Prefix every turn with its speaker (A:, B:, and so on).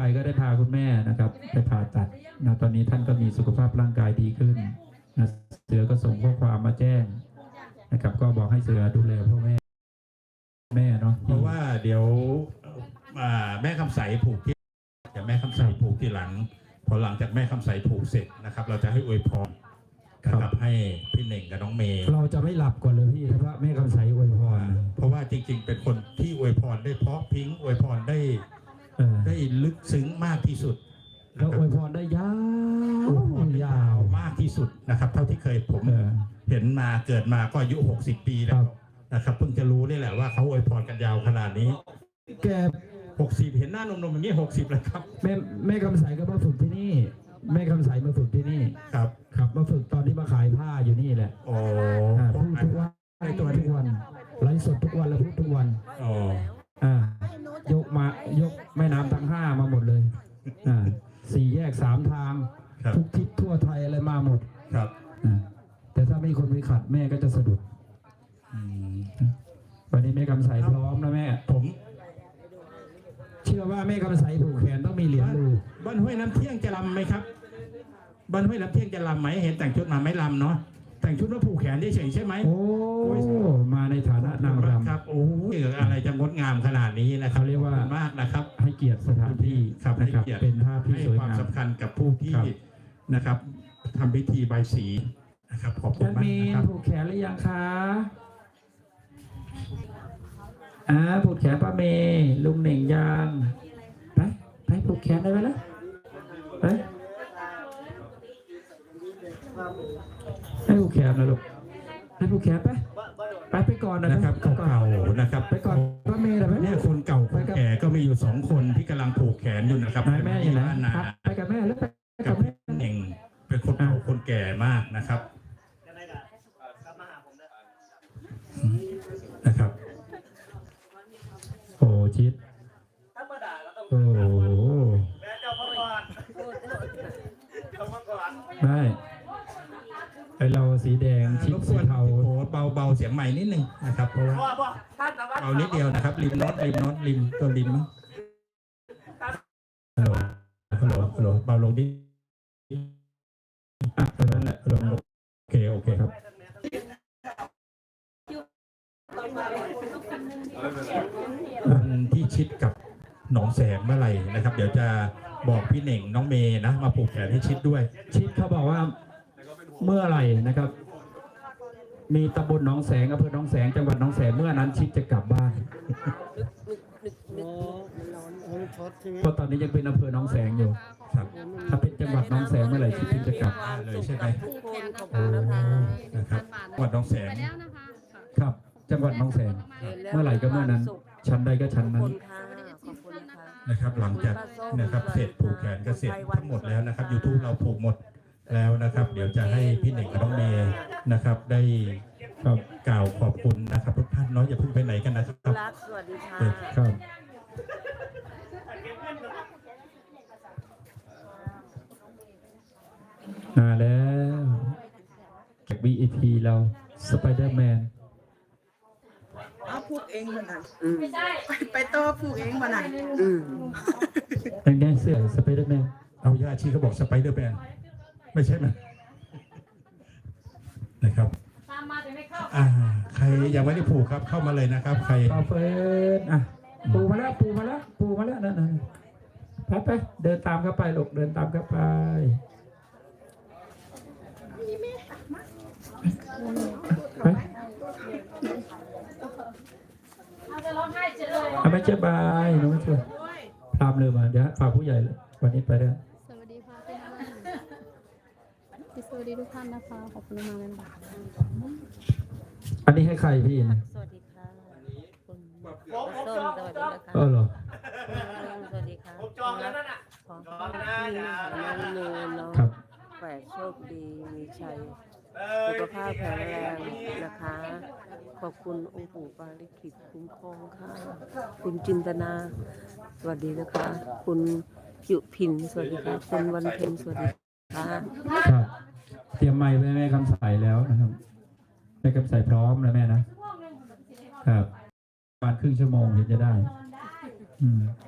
A: ก็ได้พาคุณแม่นะครับไปผ่าตัดนะตอนนี้ท่านก็มีสุขภาพร่างกายดีขึ้นนะเสือก็ส่งข้อความมาแจ้งนะครับก็บอกให้เสือดูแลพ่อแม่เนาะ
B: เพราะว่าเดี๋ยวแม่คำใสผูกที่เดี๋ยวแม่คำใสผูกที่หลังพอหลังจากแม่คำใสผูกเสร็จนะครับเราจะให้อวยพรนะครับให้พี่เน่งกับน้องเมย์
A: เราจะไม่หลับก่อนเลยพี่เพราะแม่คำใสอวยพร
B: เพราะว่าจริงๆเป็นคนที่อวยพรได้เพราะพิงอวยพรได้ลึกซึ้งมากที่สุด
A: แล้วอวยพรได้ยาว
B: มากที่สุดนะครับเท่าที่เคยผมเห็นมาเกิดมาก็อายุ60 ปีแล้วนะครับเพิ่งจะรู้นี่แหละว่าเขาอวยพรกันยาวขนาดนี้
A: แก
B: 60เห็นหน้านมๆอย่างนี้60แล้วครับ
A: แม่คำใสก็มาฝึกที่นี่แม่คำใสมาฝึกที่นี่
B: ครับ
A: มาฝึกตอนที่มาขายผ้าอยู่นี่แหละ
B: โอ้
A: พูดทุกวันทุกวันไลฟ์สดทุกวันแล้วพูดทุกวันยกแม่น้ำทั้ง5มาหมดเลย4 แยก 3 ทางทุกทิศทั่วไทยอะไรมาหมด
B: ครับ
A: แต่ถ้าไม่คนไปขัดแม่ก็จะสะดุดวันนี้แม่คำใสพร้อมนะแม่
B: ผม
A: เชื่อว่าแม่คำใสผูกแขนต้องมีเหรียญดู
B: บ้านห้วยน้ำเที่ยงจะรำไหมครับบ้านห้วยน้ำเที่ยงจะรำไหมเห็นแต่งชุดมาไม่รำเนาะแต่งชุดว่าผูกแขนเฉยใช่ไหม
A: โอ้มาในฐานะนางรำ
B: ครับโอ้ยอะไรจะงดงามขนาดนี้นะครับ
A: เรียกว่าม
B: ากนะครับ
A: ให้เกียรติสถานที่
B: ครับ
A: นะครับเป็นภาพที่สวยงามให้
B: ความสำคัญกับผู้ที่นะครับทำพิธีใบสีนะครับขอบคุณมาก
A: ครับผูกแขนหรือยังคะผูกแขนป้าเมย์ลุงเหน่งยังไปผูกแขนได้ไหมล่ะไปให้ผูกแขนนะลูกให้ผูกแขนไปก่อน
B: นะครับเก่านะครับ
A: ไปก่อนป้าเมย์นะ
B: เนี่ยคนเก่าคนแก่ก็มีอยู่2 คนที่กำลังผูกแขนอยู่นะครับ
A: แม่ยังไงไปกับแม่แล้วไป
B: กับแม่เองเป็นคนเก่าคนแก่มากนะครับนะครับ
A: โอ้ชิดโอ้ได้ไอเราสีแดงชิดสีเทา
B: เบาเสียงใหม่นิดนึงนะครับเพราะว่าเบานิดเดียวนะครับริมน็อตตัวริมฮัลโหลเบาลงนิดนั่นแหละลงโอเคครับที่ชิดกับหนองแสงเมื่อไหร่นะครับเดี๋ยวจะบอกพี่เน่งน้องเมย์นะมาผูกแขนให้ชิดด้วย
A: ชิดเขาบอกว่าเมื่อไหร่นะครับมีตำบลหนองแสงอำเภอหนองแสงจังหวัดหนองแสงเมื่อนั้นชิดจะกลับบ้านเพราะตอนนี้ยังเป็นอำเภอหนองแสงอยู่ถ้าเป็นจังหวัดหนองแสงเมื่อไหร่ชิดจะกลับ
B: เลยใช่ไหมนะครับจังหวัดหนองแสง
A: ครับจังหวัดหนองแสงเมื่อไหร่ก็เมื่อนั้นชั้นใดก็ชั้นนั้น
B: นะครับหลังจากนะครับเสร็จผูกแขนก็เสร็จทั้งหมดแล้วนะครับ YouTube เราผูกหมดแล้วนะครับเดี๋ยวจะให้พี่เน่งกับน้องเมย์นะครับได้กล่าวขอบคุณนะครับทุกท่านเนาะอย่าเพิ่งไปไหนกันนะครับ
C: สวัสดีค่ะ
A: ครับมาแล้วจาก VIP เราสไปเดอร์แมน
C: ผูกเองมันนั่นไปโต้ผูกเองมันนั่น
A: ยังได้เสื้อสไปเดอร์แมน
B: เอาญาติชี้เขาบอกสไปเดอร์แมนไม่ใช่ไหมนะครับใครยังไม่ได้ผูกครับเข้ามาเลยนะครับใคร
A: เฟิร์นปูมาแล้วนั่นไปเดินตามเข้าไปลูกเดินตามเข้าไปไม่เจ็บบายน้องไม่ช่วยตามเลยมาเดี๋ยวฝากผู้ใหญ่วันนี้ไปได้
D: สวัสดีค่ะสวัสดีทุกท่านนะคะขอบคุณมากเลยค่ะ
A: อันนี้ให้ใครพี่นะ
C: สวัสดีค่ะคุณส้มสวัสดีนะคะ
A: เหรอ
C: สวัสดีค่ะผมจองแล้วนั่นน่ะของพี่เนยเนาะแฝดโชคดีมีชัยสุขภาพแข็งแรงนะคะขอบคุณองค์ปู่ปาริกิตคุ้มครองค่ะคุณจินตนาสวัสดีนะคะคุณยุพินสวัสดีค่ะคุณวันเพ็ญสวัสดีค่ะ
A: ครับเตรียมไมค์ไว้แม่คำใสแล้วนะครับแม่คำใสพร้อมแล้วแม่นะครับประมาณครึ่งชั่วโมงถึงจะได้